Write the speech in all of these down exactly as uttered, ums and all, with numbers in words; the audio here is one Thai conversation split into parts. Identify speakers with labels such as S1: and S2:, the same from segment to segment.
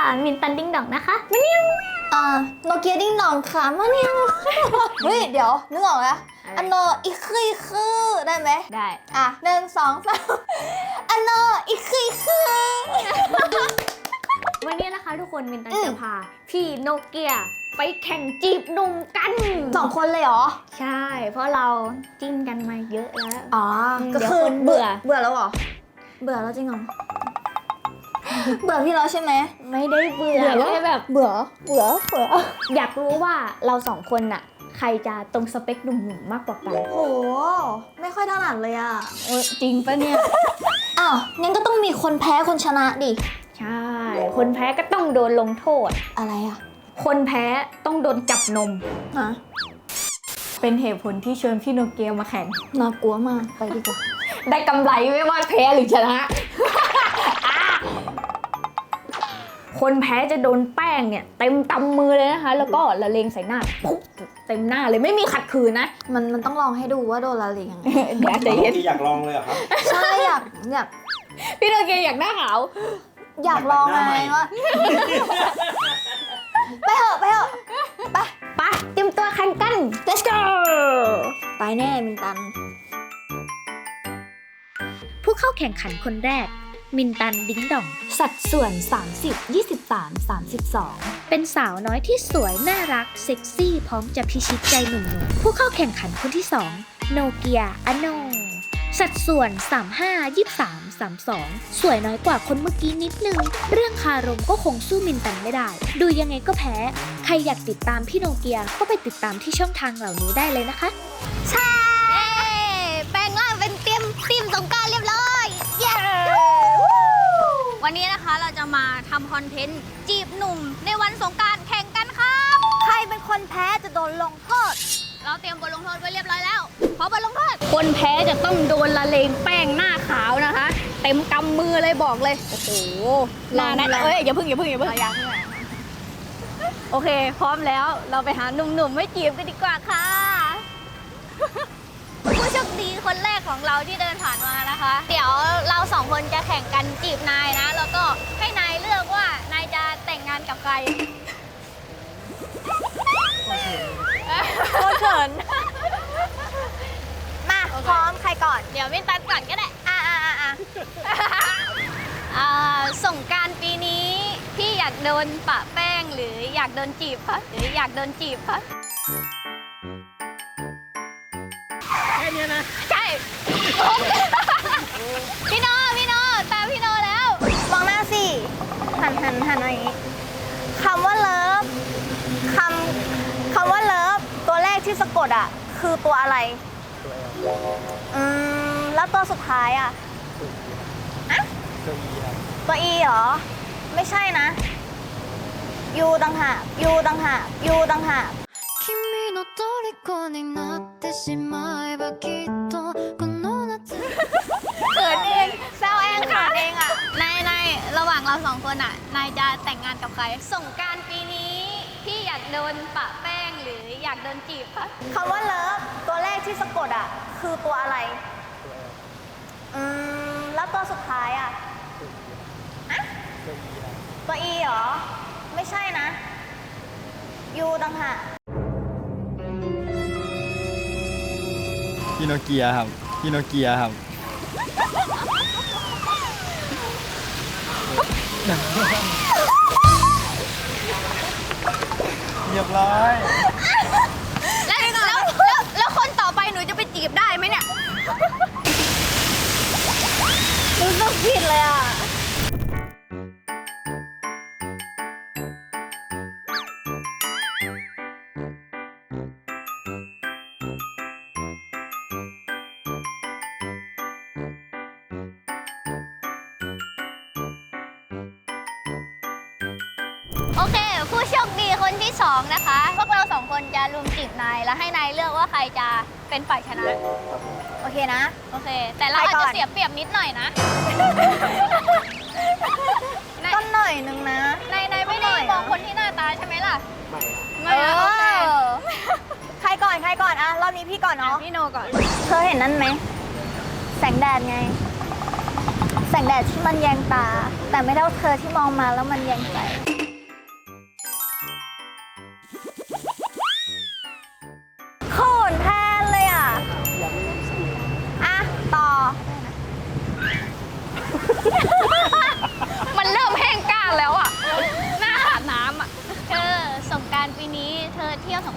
S1: มินตันดิ้งดองนะคะมาเนียว
S2: อ่าโนเกียดิ้งดองค่ะมาเนียวเฮ้ยเดี๋ยวนึกออกแล้วอันโนอีกคืออีกคือได้ไหม
S1: ได้
S2: อ่ะหนึ่งสองสามอันโนอีกคืออีกคือ
S1: วันนี้นะคะทุกคนมินตันจะพาพี่โนเกียไปแข่งจีบหนุ่มกัน
S2: สองคนเลยเหรอ
S1: ใช่เพราะเราจิ้นกันมาเยอะแล้ว
S2: อ๋อก็คือเบื่อเบื่อแล้วเหรอเบื่อแล้วจริงเหรอเบื่อพี่แล้วใช่ไหม
S1: ไม่ได้เบื่อแค่แบบ
S2: เบื่อเบื่อเบื่อ
S1: อยากรู้ว่าเราสองคนน่ะใครจะตรงสเปคหนุ่มๆมากกว่ากัน
S2: โหไม่ค่อยถนัดเลยอ่ะ
S1: จริงปะเนี่ย
S2: อ้าวงั้นก็ต้องมีคนแพ้คนชนะดิ
S1: ใช่คนแพ้ก็ต้องโดนลงโทษ
S2: อะไรอ่ะ
S1: คนแพ้ต้องโดนจับนม
S2: ฮะ
S1: เป็นเหตุผลที่เชิญพี่โนเกียมาแข่ง
S2: น่ากลัวมากไปดีกว่า
S1: ได้กำไรไม่ว่าแพ้หรือชนะคนแพ้จะโดนแป้งเนี่ยเต็มตำมือเลยนะคะแล้วก็ละเลงใส่หน้าปุ๊บเต็มหน้าเลยไม่มีขัดขืนนะ
S2: มันมันต้องลองให้ดูว่าโดนละเลงยังไง
S1: เดี๋ยวใจเย็น
S3: อยากลองเลยเหรอครับ
S2: ใช่อยากอยาก
S1: พี่โนเกียอยากหน้าขาว
S2: อยากลองไงว่าไปเถอะไปเถอะไป
S1: ไปเตรียมตัวแข่งกัน
S2: let's go ไปแน่มินตัน
S1: ผู้เข้าแข่งขันคนแรกมินตันดิ้งดองสัดส่วน สามสิบ ยี่สิบสาม สามสิบสอง เป็นสาวน้อยที่สวยน่ารักเซ็กซี่พร้อมจะพิชิตใจหนุ่มๆผู้เข้าแข่งขันคนที่สองโนเกียอโนสัดส่วน สามสิบห้า ยี่สิบสาม สามสิบสอง สวยน้อยกว่าคนเมื่อกี้นิดนึงเรื่องคารมก็คงสู้มินตันไม่ได้ดูยังไงก็แพ้ใครอยากติดตามพี่โนเกียก็ไปติดตามที่ช่องทางเหล่านี้ได้เลยนะคะ
S2: ใช่แปลงร่างเป็นเตรียมทีมสงกรานต์เรียบร้อยเย้
S4: วันนี้นะคะเราจะมาทำคอนเทนต์จีบหนุ่มในวันสงกรานต์แข่งกันครับ
S2: ใครเป็นคนแพ้จะโดนลงโทษ
S4: เราเตรียมบทลงโทษไว้เรียบร้อยแล้วพร้อมบทลงโทษ
S1: คนแพ้จะต้องโดนละเลงแป้งหน้าขาวนะคะเต็มกำมือเลยบอกเลยโอ้โหหน้านั้นเอ้ยอย่าพึ่งอย่าพึ่งอย่าพึ่ง
S4: อยากเพื่อ
S1: โอเคพร้อมแล้วเราไปหาหนุ่มๆไม่จีบกันดีกว่าค่ะ
S4: ผู้โชคดีคนแรกของเราที่เดินผ่านมานะคะเดี๋ยวเราสองคนจะแข่งกันจีบนายนะแล้วก็ให้นายเลือกว่านายจะแต่งงานกับใคร
S2: โคตรเขินมาพร้อมใครก่อน
S4: เดี๋ยวมินตันก่อนก็ได้
S2: อ่าอ่าอ่า
S4: อ่าสงกรานต์ปีนี้พี่อยากโดนปะแป้งหรืออยากโดนจีบคะหรืออยากโดนจีบคะ
S3: แค่นี้นะ
S4: ใช่พี่โนพี่โนตามพี่โนแล้ว
S2: มองหน้าสิหันหันหันอะไรอย่างนี้คำว่าเลิฟคำคำว่าเลิฟตัวแรกที่สะกดอ่ะคือตัวอะไรอืมแล้วตัวสุดท้ายอ่ะอะตัวอีเหรอไม่ใช่นะยูต่างหากยูต่างหากยูต่างหาก
S4: เขินเองแซวเองขาดเองอ่ะนายนายระหว่างเราสองคนอ่ะนายจะแต่งงานกับใครสงกรานต์ปีนี้พี่อยากโดนปะแป้งหรืออยากโดนจีบคะ
S2: คำว่าเลิฟตัวแรกที่สะกดอ่ะคือตัวอะไรอืมแล้วตัวสุดท้ายอ่ะอะตัวอีเหรอไม่ใช่นะยูต่างหาก
S3: พี่โนเกียครับพี่โนเกียครับเรียบร้อย
S4: แล้วแล้วแล้วแล้วคนต่อไปหนูจะไปจีบได้ไหมเนี่ย
S2: รู้สึกผิดเลยอ่ะ
S4: โอเคผู้โชคดีคนที่สองนะคะพวกเราสองคนจะรุมจีบนายแล้วให้นายเลือกว่าใครจะเป็นฝ่ายชนะ
S2: โอเคนะ
S4: โอเคแต่เราอาจจะเสียเปรียบนิดหน่อยนะ
S2: ก็หน่อยนึงนะ
S4: นายนายไม่ได้มองคนที่หน้าตาใช่ไหมล่ะ
S2: ไม่ไม่โอเคใครก่อนใครก่อนอะรอบนี้พี่ก่อนเนาะ
S4: พี่โนก่อน
S2: เธอเห็นนั่นไหมแสงแดดไงแสงแดดที่มันแยงตาแต่ไม่เท่าเธอที่มองมาแล้วมันแยงใจ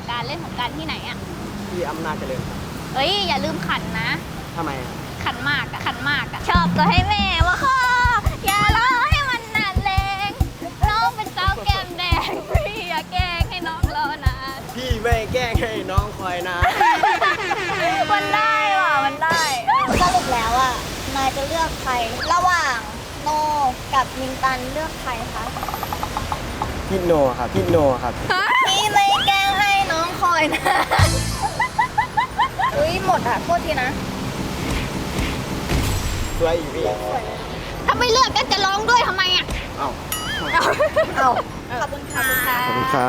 S4: กรารเล่นสงกรารที่ไหนอะ
S5: ที่อำนาจเจริญครับ
S4: เอ้ยอย่าลืมขันนะ
S5: ทำไมอะ
S4: ขันหมากอะขันหมากอะชอบก็ให้แม่มาขออย่ารอให้มันนานแรงน้องเป็นสาวแก้มแดงพี่อย่าแกล้งให้น้องรอนาน
S5: พี่ไม่แกล้งให้น้องคอยนะ
S2: มันได้ว่ะ มันได้สรุปแล้วอ่ะ นายจะเลือกใคร ระหว่างโนกับมินตันเลือกใครคะ
S5: พี่โนครับ พี่โนครับ
S2: พี่ไม่แกล้งให้น้องคอยนะ อุ้ยหมดอ่ะโทษทีนะ
S5: สวยอีกพี่
S4: ถ้าไม่เลือกก็จะร้องด้วยทำไมอะ
S5: เอ้า
S2: เอาขอบคุณค่ะ
S5: ขอบคุณครับ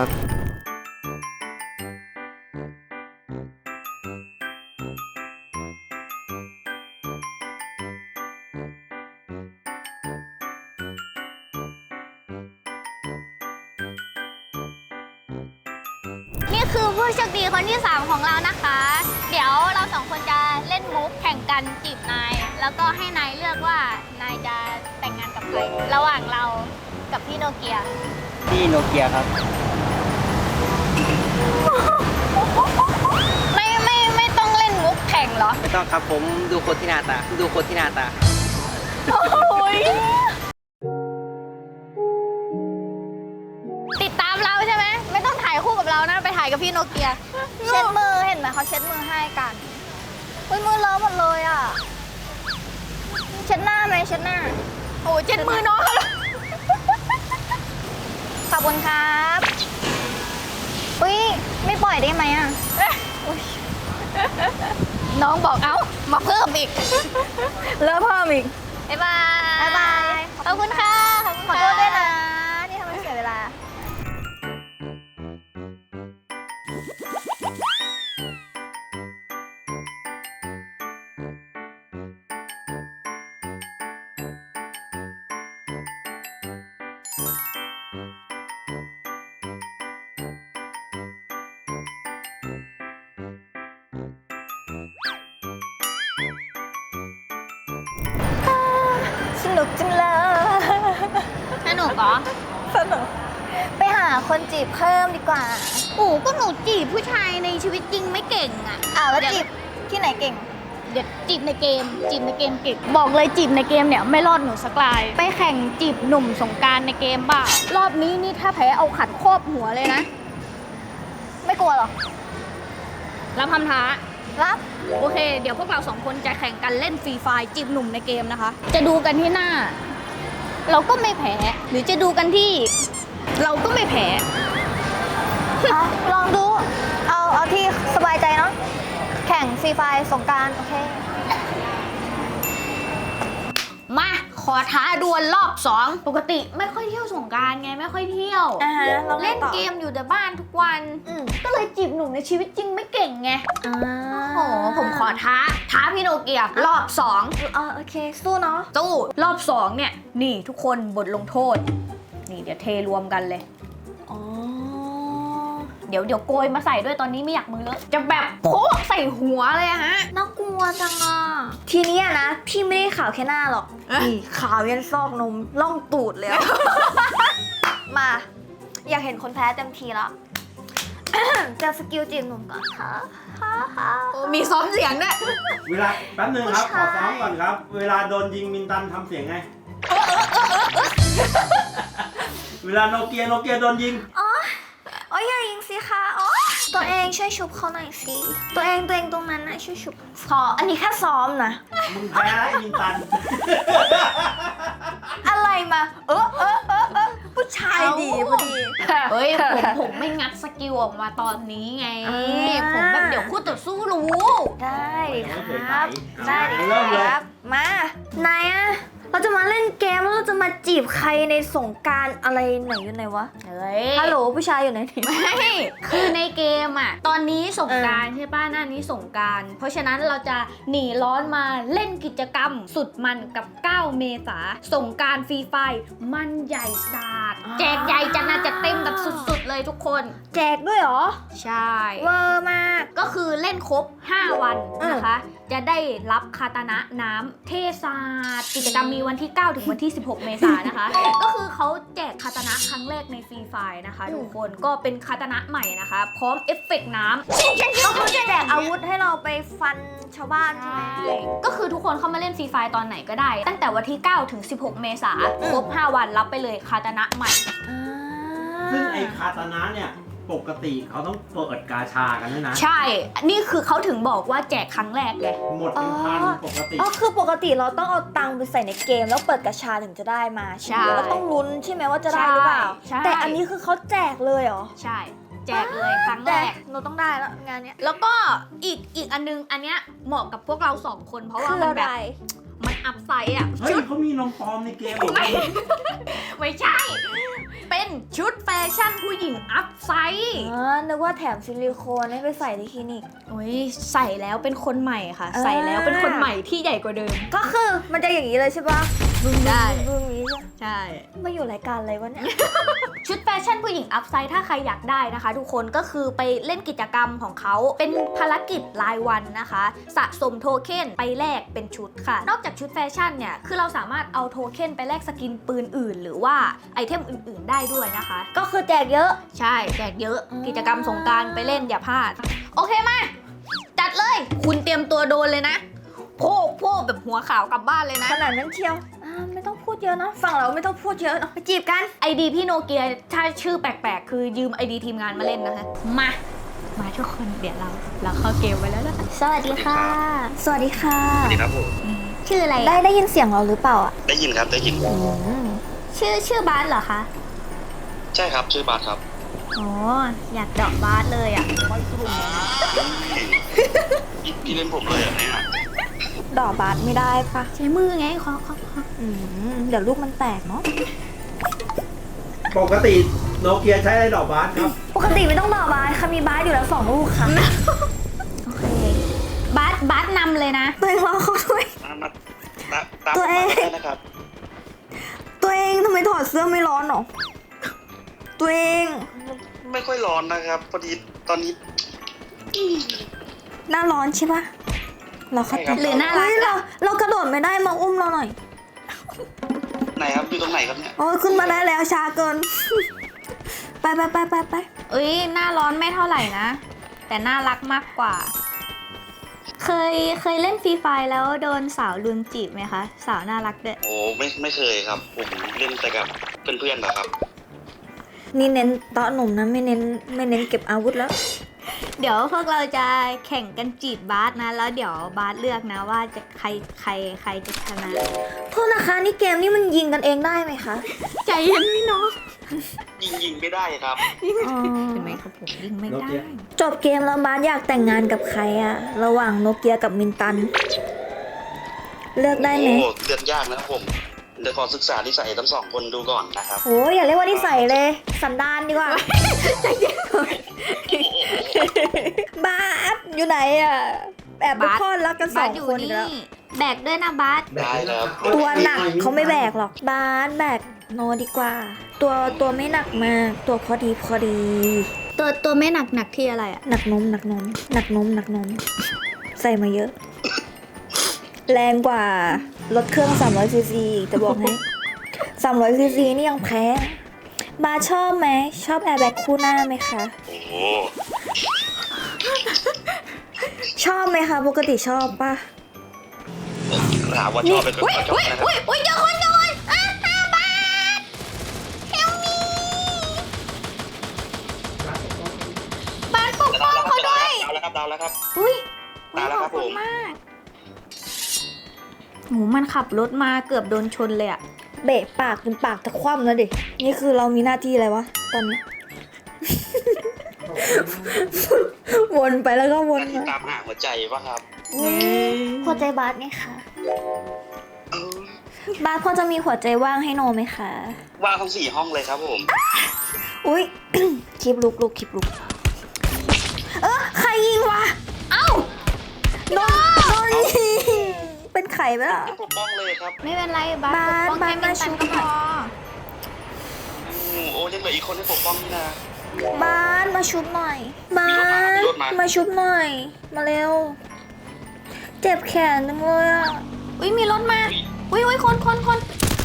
S4: นี่คือผู้โชคดีคนที่สามของเรานะคะ เดี๋ยวเราสองคนจะเล่นมุกแข่งกันจีบนาย แล้วก็ให้นายเลือกว่านายจะแต่งงานกับใคร ระหว่างเรากับพี่โนเกีย
S5: พี่โนเกียครับ
S4: ไม่ไม่ไม่ต้องเล่นมุกแข่งเหรอ
S5: ไม่ต้องครับผมดูคนที่หน้าตา ดูคนที่หน้าตา
S4: ติดตามเราใช่ไหม ไม่ต้องถ่ายคู่กับเรานะ ไปถ่ายกับพี่โนเกีย
S2: เช็ดมือเห็นไหมเขาเช็ดมือให้กันอุ้ยมือเลอะหมดเลยอ่ะ เช็ดหน้าไหมเช็ดหน้า
S4: โอ้เจ็ดมือน้อง
S2: ขอบคุณครับอุ้ยไม่ปล่อยได้ไหมอ่ะ
S4: น้องบอกเอ้า มาเพิ่มอีก
S2: เลอะเพิ่มอีก
S4: บ๊ายบาย
S2: บ๊ายบาย
S4: ขอบคุณค่ะ ขอบคุณ
S2: ขอ
S4: ค่ะ
S2: โทษด้วยนะ ที่ทำให้เสียเวลา สนุกจังเลย
S4: สนุกเหรอ
S2: สนุก ไปหาคนจีบเพิ่มดีกว่า
S4: โอ้ก็หนูจีบผู้ชายในชีวิตจริงไม่เก่งอ่ะ
S2: อ้าวแล้ว
S4: เดี๋ย
S2: จีบที่ไหนเก่ง
S4: เดี๋ยวจีบในเกม จีบในเกมเก่ง บอกเลยจีบในเกมเนี่ยไม่รอดหนูสักลาย ไปแข่งจีบหนุ่มสงกรารในเกมบ้ารอบนี้นี่ถ้าแพ้เอาขันครอบหัวเลยนะ
S2: ไม่กลัวหรอ
S4: รับคำท้า
S2: รับ
S4: โอเค เดี๋ยวพวกเราสองคนจะแข่งกันเล่นฟรีไฟร์จีบหนุ่มในเกมนะคะ จะดูกันที่หน้า เราก็ไม่แพ้ หรือจะดูกันที่ เราก็ไม่แพ้
S2: อ่ะลองดู เอาเอาที่สบายใจเนาะ แข่งฟรีไฟล์สงกรารโอเค
S4: มา ขอท้าดวลรอบสองปกติไม่ค่อยเที่ยวสงกรารไงไม่ค่อยเที่ยว
S2: อ่าฮะเราไง
S4: เล่น
S2: ต่อ
S4: เกมอยู่แต่บ้านทุกวัน
S2: อืม
S4: ก็เลยจีบหนุ่มในชีวิตจริงไม่เก่งไง
S2: อ่า
S4: โอ้โหผมขอท้า ท้าพี่โนเกียรอบสอง
S2: เออโอเค สู้เนาะ
S4: ตู้รอบสองเนี่ย นี่ทุกคนบทลงโทษ นี่เดี๋ยวเทรวมกันเลย
S2: อ๋อ
S4: เดี๋ยวเดี๋ยวโกยมาใส่ด้วยตอนนี้ไม่อยากมือเลอะจะแบบโพกใส่หัวเลยอะฮะ
S2: น่ากลัวจังอ่ะ ทีเนี้ยนะ พี่ไม่ได้ขาวแค่หน้าหรอก
S4: เอ๊ะ
S2: นี่ขาวยันซอกนมล่องตูดเลยอะ มา อยากเห็นคนแพ้เต็มทีแล้ว จะสกิลจีบหนุ่มก่อนค่ะค่ะค่ะ
S4: โอ้มีซ้อมเสียงด้วย
S6: เวลาแป๊บนึงครับ ข
S2: ผู้
S6: อ
S2: ชาย
S6: ซ้อมก่อนครับ เวลาโดนยิงมินตันทำเสียงไง เวลาโนเกียโนเกียโดนยิง
S2: อ๋ออ๋ออย่ายิงสิคะอ๋อตัวเองช่วยชุบเขาหน่อยสิ ตัวเองตัวเองตรงนั้นนะช่วยชุบขออันนี้แค่ซ้อมนะ
S6: มึงแพ้แล้วไอ้มินตัน
S2: อะไรมา เออเออเออเออผู้ชายดีพอดี
S4: เฮ้ยผมผมไม่งัดสกิลออกมาตอนนี้ไง
S2: อ่า
S4: ผมแบบเดี๋ยวคู่ต่อสู้รู้
S2: ได้ค
S6: ยังไม่เคย
S2: รับ
S6: ใส่
S2: ได้
S6: เอาเริ่มเลย
S2: ครับ มา นายอะเราจะมาเล่นเกมแล้วเราจะมาจีบใครในสงกรารอะไรไหนอยู่ไหนวะ
S4: เฮ้ย
S2: ฮัลโหลผู้ชายอยู่ไหนนี่
S4: ไม่คือในเกมอ่ะ ตอนนี้สงกรารใช่ป่ะหน้านี้สงกรารเพราะฉะนั้นเราจะหนีร้อนมาเล่นกิจกรรม สุดมันกับเก้าเมษาสงกรารฟรีไฟร์มันใหญ่ศาสตร์แจกใหญ่จัดหนาจัดเต็มแบบสุดๆเลยทุก
S1: ทุกคน
S2: แจกด้วยเหรอ
S1: ใช่
S2: เวอร์มาก
S1: ก็คือเล่นครบ ห้า วันนะคะ จะได้รับคาตานะน้ำเทศาสตร์กิจกรรมมีวันที่ เก้า ถึงวันที่ สิบหก เมษายนนะคะ ก็คือเขาแจกคาตานะครั้งแรกในฟรีไฟล์นะคะทุกคนก็เป็นคาตานะใหม่นะคะ พร้อมเอฟเฟกต์น้ำ
S2: ก็คือแจกอาวุธให้เราไปฟันชาวบ้านใช่ไหม
S1: ก็คือทุกคนเข้ามาเล่นฟรีไฟล์ตอนไหนก็ได้ ตั้งแต่วันที่ เก้า ถึง สิบหก เมษายนครบ ห้า วันรับไปเลยคาตานะใหม่
S6: ซึ่งไอ้คาตานะเนี่ยปกติเขาต้องเปิดกาชากันด้วยนะ
S1: ใช่ นี่คือเขาถึงบอกว่าแจกครั้งแรกเลย
S6: หมดเป็นพันปกติ
S2: อ๋อคือปกติเราต้องเอาตังค์ไปใส่ในเกมแล้วเปิดกระชาถึงจะได้มาใช่ไหม
S1: ใช่
S2: แล้วต้องลุ้นใช่ไหมว่าจะได้หรือเปล่า
S1: ใช่
S2: แต่อันนี้คือเขาแจกเลยเหรอ
S1: ใช่ แจกเลยครั้งแร
S2: แต่
S1: ก
S2: เราต้องได้แล้วงานเนี้ย
S1: แล้วก็อีกอีกอันนึงอันเนี้ยเหมาะกับพวกเราสองคนเพราะว่า
S2: คือ
S1: มัน
S2: อะ
S1: แบ
S2: ไร
S1: บมันอัพไซด์อ่ะ
S6: เฮ้ย
S1: ชุด
S6: เขามีนมปลอมในเกมเหรอ
S1: ไม่ไม่ใช่ เป็นชุดแฟชั่นผู้หญิงอัพไซด์
S2: อ๋อนึกว่าแถมซิลิโคนให้ไปใส่ที่คลินิก
S1: โอ้ยใส่แล้วเป็นคนใหม่ค่ะ
S2: อ่า
S1: ใส่แล้วเป็นคนใหม่ที่ใหญ่กว่าเดิม
S2: ก็คือมันจะอย่างนี้เลยใช่ปะบึ้ง
S1: ได้
S2: บึ้งบึ้งนี้ใช่
S1: ใช่
S2: มาอยู่รายการอะไรวะเนี่ย
S1: ชุดแฟชั่นผู้หญิงอัพไซด์ถ้าใครอยากได้นะคะ ทุกคนก็คือไปเล่นกิจกรรมของเขาเป็นภารกิจรายวันนะคะ สะสมโทเค็นไปแลกเป็นชุดค่ะ นอกจากชุดแฟชั่นเนี่ยคือเราสามารถเอาโทเค็นไปแลกสกินปืนอื่น หรือว่าไอเทมอื่นๆได้ด้วยนะคะ
S2: ก็คือแจกเยอะ
S1: ใช่แจกเยอะ
S2: อืม
S1: กิจกรรมสงกรารไปเล่นอย่าพลาด โอเคมาจัดเลย คุณเตรียมตัวโดนเลยนะโพกโพกแบบหัวขาวกลับบ้านเลยนะ
S2: ขนาดนั้นเชียวอ่าไม่ต้องพูดเยอะเนอะฝั่งเราไม่ต้องพูดเยอะเนอะไปจีบกัน
S1: ไอดีพี่โนเกียถ้าชื่อแปลกๆ คือยืมไอดีทีมงานมาเล่นนะคะ มา มาทุกคนเดี๋ยวเรา เราเข้าเกมไปแล้วนะคะ
S2: สวัสดีค่ะ สวัสดีค่ะ
S7: สวัสดีครับผม
S1: ชื่ออะไร
S2: ได้
S1: อะ
S2: ได้ยินเสียงเราหรือเปล่าอ่ะ
S7: ได้ยินครับได้ยิน
S2: อืม
S1: ชื่อชื่อบาสเหรอคะ
S7: ใช่ครับชื่อบาสครับ
S1: อ๋ออยากเดอกบาสเลยอ่ะ
S7: พี่พี่เล่นผมเลยเหรอเนี่ย
S2: ดอกบาสไม่ได้ปะ
S1: ใช้มือไงขอขอขอ
S2: อืมเดี๋ยวลูกมันแตกเนาะ
S6: ปกติโนเกียใช้อะไรดอกบาสครับ
S2: ปกติไม่ต้องดอกบาสค่ะมีบาสอยู่แล้วสองลูกค่ะ
S1: โอเค บาสบาสนำเลยนะ
S2: ตัวเองรอเขาด้วย
S7: มามาตาตาม
S2: ตัวเอง
S7: มาได้นะครับ
S2: ตัวเองทำไมถอดเสื้อไม่ร้อนหรอ ตัวเอง
S7: ไม่ค่อยร้อนนะครับพอดีตอนนี้
S2: หน้าร้อนใช่ปะเราเข้าใจ
S7: ใช่ครับ
S1: หรือน่ารั
S2: เฮ้
S1: ก
S2: ยเรา
S1: อะ
S2: เรากระโดดไม่ได้มาอุ้มเราหน่อย
S7: ไหนครับอยู่ตรงไหนครับเนี่ย
S2: โอ้ยขึ้นมาได้แล้วช้าเกิน ไปไปไปไปไป
S1: เอ้ยหน้าร้อนไม่เท่าไหร่นะ แต่น่ารักมากกว่า เคยเคยเล่นฟรีไฟล์แล้วโดนสาวลุนจีบไหมคะ สาวน่ารักด้วย
S7: โอ้ไม่ไม่เคยครับ ผมเล่นแต่กับเพื่อนๆนะครับ
S2: นี่เน้นเตาะหนุ่มนะไม่เน้นไม่เน้นเก็บอาวุธแล้ว
S1: เดี๋ยวพวกเราจะแข่งกันจีบบาสนะ แล้วเดี๋ยวบาสเลือกนะว่าจะใครใครใครจะชนะ
S2: โทษนะคะนี่เกมนี่มันยิงกันเองได้ไหมคะ
S1: ใจเย็นพี่น้อง
S7: ยิงยิงไม่ได้ครับ
S2: อ๋อ
S1: เห็นไหมครับผมยิงไม่ได้
S2: จบเกมแล้วบาสอยากแต่งงานกับใครอะระหว่างโนเกียกับมินตัน เลือกได้ไหม
S7: โอ้เลือกยากนะครับผมเดี๋ยวขอศึกษานิสัยทั้งสองคนดูก่อนนะครับ
S2: โอ้ยอย่าเรียกว่านิสัยเลย สันดานดีกว่า บาสอยู่ไหนอะแอบไป
S1: บาส
S2: พลอดรักกันส
S1: บา
S2: อ
S1: ส
S2: ง
S1: อยู่
S2: คนอีก
S1: นี่
S2: แล้ว
S1: แบกด้วยนะบาส
S7: ได้ครับ
S2: ตัวหนักเขาไม่แบกหรอกบาสแบกโนดีกว่า ตัวตัวไม่หนักมาก ตัวพอดีพอดี
S1: ตัวตัวไม่หนักหนักที่อะไรอะ
S2: หนักนมหนักนมหนักนมหนักนม ใส่มาเยอะ แรงกว่ารถเครื่องสามร้อยซีซีอีกจะบอกให้สามร้อยซีซีนี่ยังแพ้บาสชอบไหมชอบแอร์แบ็กคู่หน้าไหมคะ
S7: โอ้โห
S2: ชอบไหมคะปกติชอบปะ
S7: ถามว่าชอบเป็นคนชอบนะครับ
S1: อุ้ยอุ้ยเจอคนเจอคนอ่ะห้าบาทเฮลมีบาทปกป้องเขาด้วย
S7: ดาวแล้วครับดาวแล้วครับ
S1: อุ้ย
S7: มาแล้ว
S1: ข
S7: ครั
S1: อบบ คุณ
S7: ผม
S1: มากโหมันขับรถมาเกือบโดนชนเลยอะ
S2: เบะปากจนปากจะคว่ำแล้วดินี่คือเรามีหน้าที่อะไรวะตอนนี้ วนไปแล้วก็วน
S7: หน้าที่
S2: มา
S7: ตามหาหัวใจป่ะครับ
S2: อุ๊ยหัวใจบาสไหมคะ
S7: เออบ
S2: าสพอจะมีหัวใจว่างให้โนไหมคะ
S7: ว่างทั้งสี่ห้องเลยครับผม
S2: อุ้ย คลิปลุกลุกคลิปลุกเออใครยิงวะ
S1: เอ้า
S2: โดนโดนยิงเป็นไข่ไหมล่ะ
S7: ปกป้องเลยครับ
S1: ไม่เป็นไรบา
S2: บาส
S1: ปกป้อง
S2: บาส
S1: แค่มินตัน
S2: มาชุบ
S1: ก็พอ
S7: อืมโอ้ยังเหลืออีกคนให้ปกป้องนี่นะ
S2: บ้านมาชุบหน่อยบ้า
S7: มีรถมาน มีรถมา
S2: มาชุบหน่อย มาเร็ว เจ็บแขนจังเลยอ่ะ
S4: อุ้ยมีรถมา อุ้ยอุ้ยคนคนคน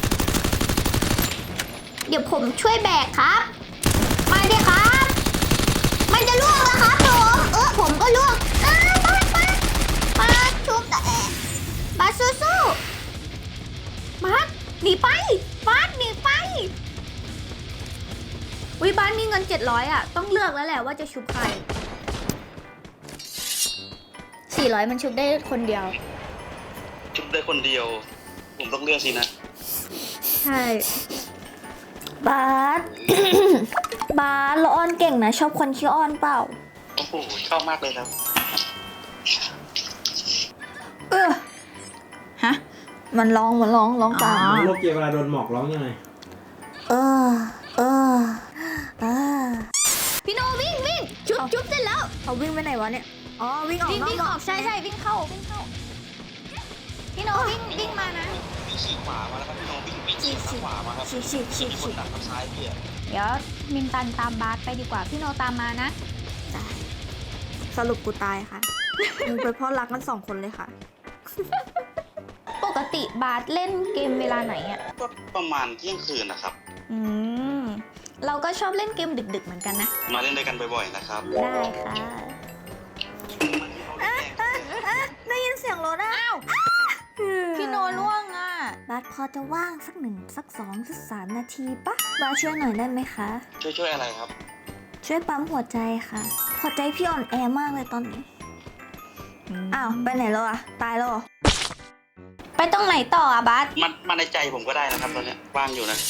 S4: เดี๋ยวผมช่วยแบกครับ มาดิครับ มันจะล่วงแล้วครับผมเออผมก็ล่วงอ้าวบาสบาสบาสชุบแต่บาสสู้ๆบาสหนีไปบาสหนีไปอุ้ยบาสมีเงินเจ็ดร้อยอ่ะ ต้องเลือกแล้วแหละว่าจะชุบใครสี่ร้อยมันชุบได้คนเดียว
S7: ชุบได้คนเดียว ผมต้องเลือกสินะ
S4: ใช่
S2: บาส บาสเราอ้อนเก่งนะ ชอบคนขี้อ้อนเปล่า
S7: โอ้โห ชอบมากเลยครับ
S2: เออฮะ มันร้องมันร้องร้องตาม
S6: โนเกียเวลาโดนหมอกร้องยังไง
S2: เออ เออเออ
S4: พี่โนวิ่งวิ่งชุบชุบเสร็จแล้ว
S2: เขาวิ่งไปไหนวะเนี่ย อ๋อ วิ่งออก
S4: วิ่ง
S2: นอก
S4: วิ่ง
S2: หม
S4: อ
S2: อ
S4: อก กใช่ใช่วิ่งเข้าวิ่งเข้าพี่โนวิ่งวิ่งมานะ
S7: วิ่งฉีกขวามาแล้วครับพี่น้องวิ่งวิ่งฉีกขวามาครับ
S2: ฉีกฉีกฉีก
S7: มีค
S2: ฉี
S7: น
S2: ก
S7: ดักทางซ้ายพี่อะ
S4: เดี๋ยวมินตันตามบาสไปดีกว่าพี่โนตามมานะ
S2: สรุปกูตายค่ะ มึงเป็นพ่อรักกันสองคนเลยค่ะ
S4: ปกติบาสเล่นเกมเวลาไหนอ่ะ
S7: ก็ประมาณเที่ยงคืนนะครับ
S4: อืมเราก็ชอบเล่นเกมดึกๆเหมือนกันนะ
S7: มาเล่นด้วยกันบ่อยๆนะครับ
S4: ได้ค่ะ
S2: ได้ยินเสียงรถอ่ะ
S4: อ้าวพี่โนล่วงอ่ะ
S2: บาสพอจะว่างสักหนึ่งสักสองสักสามนาทีปะบาสช่วยหน่อยได้ไหมคะ
S7: ช่วยช่วยอะไรครับ
S2: ช่วยปั๊มหัวใจค่ะ หัวใจพี่อ่อนแอมากเลยตอนนี้ อ้าว ไปไหนแล้วอะตายแล้วเหรอ
S4: ไปตรงไหนต่ออ่ะบาส
S7: มันมาในใจผมก็ได้นะครับตอนเนี้ยว่างอยู่นะ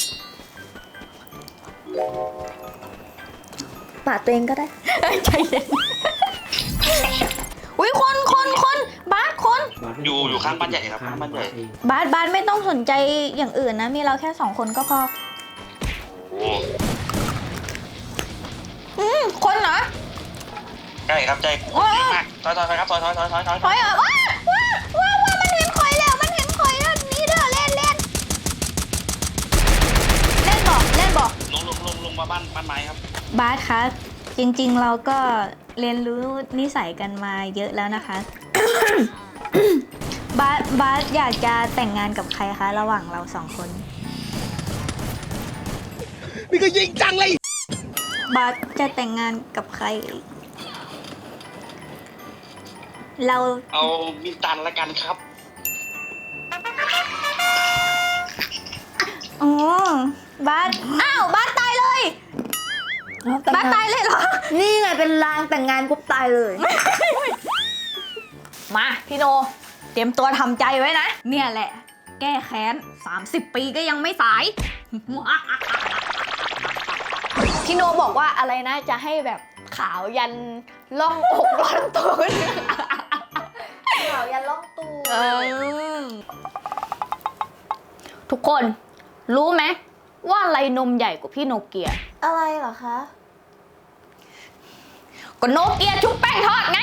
S2: ปาดตัวเองก็ได้
S4: ใจเย็นอุ้ยคนคนคนบาสคน
S7: อยู่อยู่ข้างบ้านใหญ่ครับข้างบ้านใหญ่
S4: บาสบาสไม่ต้องสนใจอย่างอื่นนะ มีเราแค่สองคนก็พอ
S7: โอ้
S4: อืมคนเหรอ
S7: ใช่ครับใจ
S4: โอ้ย
S7: มากถอยถอยถอยครับถอยถอยถอยถอยถอย
S4: ถอยเหรอว้าว้าว้าว้ามันเห็นข่อยแล้วมันเห็นข่อยแล้วนี่เด้อเล่นเล่นเล่นบอกเล่นบอก
S7: ลงลงลงลงมาบ้านบ้านไม้ครับ
S4: บาสคะจริงๆเราก็เรียนรู้นิสัยกันมาเยอะแล้วนะคะ บาสบาสอยากจะแต่งงานกับใครคะระหว่างเราสองคนนี่ก็ยิงจังเลยบาสจะแต่งงานกับใคร เรา
S7: เอามินตันละกันครับ
S4: อ๋อบาสอ้าวบาสตายเลยบาสตายเลยเหรอ
S2: นี่ไงเป็นลางแต่งงานปุ๊บตายเลย
S4: มาพี่โน เตรียมตัวทำใจไว้นะ เนี่ยแหละ แก้แค้นสามสิบปีก็ยังไม่สาย พี่โนบอกว่าอะไรนะ จะให้แบบขาวยันล่องอกล่องตูน
S2: ข่าวยันล่องตู
S4: เออทุกคนรู้ไหมว่าอะไรนมใหญ่กว่าพี่โนเกีย
S2: อะไรเหรอคะ
S4: ก็โนเกียชุบแป้งทอดไง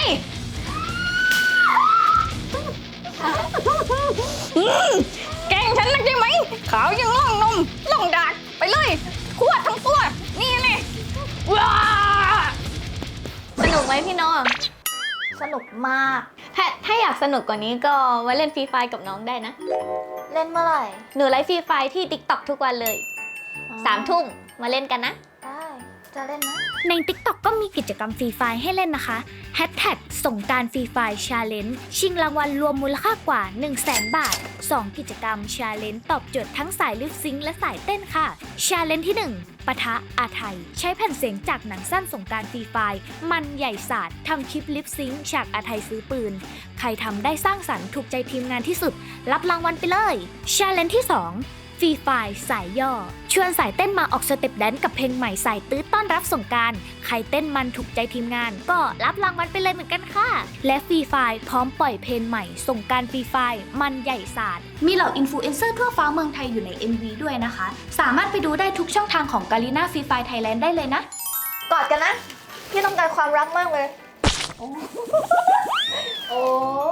S4: อืมแกล้งฉันนักใช่ไหมขาวยังล่องนมล่องดากไปเลยขวดทั้งตัว นี่นี่ว้าสนุกไหมพี่โน
S2: สนุกมาก
S4: ถ้าถ้าอยากสนุกกว่านี้ก็มาเล่นฟรีไฟกับน้องได้นะ
S2: เล่นเมื่อไหร่
S4: หนูไลฟ์ฟรีไฟที่ ติ๊กต็อก ทุกวันเลยสามทุ่มมาเล่นกันนะ
S2: ได้ จะเล่นนะ
S1: ใน ติ๊กต็อก ก็มีกิจกรรมฟรีไฟล์ให้เล่นนะคะแฮชแท็กสงกรานต์ฟรีไฟล์ชาเลนจ์ชิงรางวัลรวมมูลค่ากว่า หนึ่งแสน บาท สอง กิจกรรมชาเลนจ์ตอบโจทย์ทั้งสายลิปซิงค์และสายเต้นค่ะชาเลนจ์ที่ หนึ่ง ปะทะอาไทย ใช้แผ่นเสียงจากหนังสั้นสงกรานต์ฟรีไฟล์มันใหญ่ศาสตร์ทำคลิปลิปซิงค์ฉากอาไทยซื้อปืน ใครทำได้สร้างสรรค์ถูกใจทีมงานที่สุด รับรางวัลไปเลยชาเลนจ์ที่ สองฟรีไฟล์สายย่อชวนสายเต้นมาออกสเต็ปแดนซ์กับเพลงใหม่สายตื้อต้อนรับสงกรานต์ใครเต้นมันถูกใจทีมงานก็รับรางวัลไปเลยเหมือนกันค่ะและฟรีไฟล์พร้อมปล่อยเพลงใหม่สงกรานต์ฟรีไฟล์มันใหญ่ศาสตร์มีเหล่าอินฟลูเอนเซอร์ทั่วฟ้าเมืองไทยอยู่ใน เอ็ม วี ด้วยนะคะสามารถไปดูได้ทุกช่องทางของกาลิน่าฟรีไฟล์ไทยแลนด์ได้เลยนะ
S2: กอดกันนะ พี่ต้องการความรักมากเลย โอ้โอ้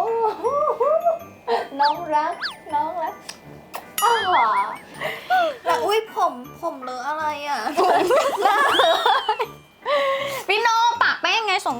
S2: น้องรัก น้องรักอ้าวแล้วอุ้ยผม ผมเลอะอะไรอ่ะ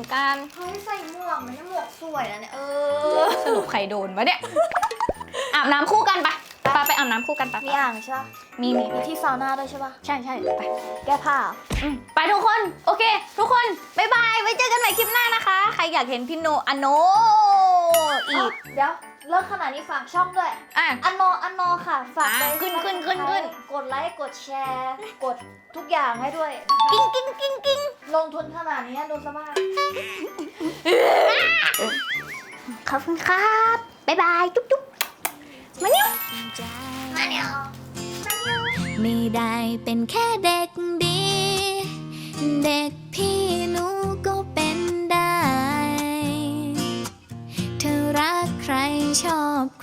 S4: กัน
S2: เฮ้ยใส่หมวกมันเนี่ยหมวกสวยนะเนี่ยเออ
S4: สรุปใครโดนวะเนี่ย อาบน้ำคู่กันไปไปไปอาบน้ำคู่กันไป
S2: มีอ่างใช่ปะ
S4: มีมี
S2: มีที่ซาวน่าด้วยใช่ปะ
S4: ใช่ใช่ไป
S2: แก้ผ้า
S4: อืมไปทุกคน โอเค ทุกคน บ๊ายบาย ไว้เจอกันใหม่คลิปหน้านะคะ ใครอยากเห็นพี่โนอโนอีก
S2: เดี๋ยวเลิกขนาดนี้ฝากช่องด้วย
S4: อ่ะ
S2: อันโนอันโนค่ะ ฝากไป
S4: อ่ะขึ้นขึ้นขึ้นขึ้น
S2: กดไลค์ กดแชร์ กดทุกอย่างให้ด้วยนะคะ
S4: กิ้งกิ้งกิ้งกิ้ง
S2: ลงทุนขนาดนี้ดูสภาพ
S4: ขอบคุณครับ บ๊ายบาย จุ๊บจุ๊บมาเนี่ยมาเนี่ย
S1: ไม่ได้เป็นแค่เด็กดี เด็กพี่หนูก็เป็นได้ เธอรักใครชอบ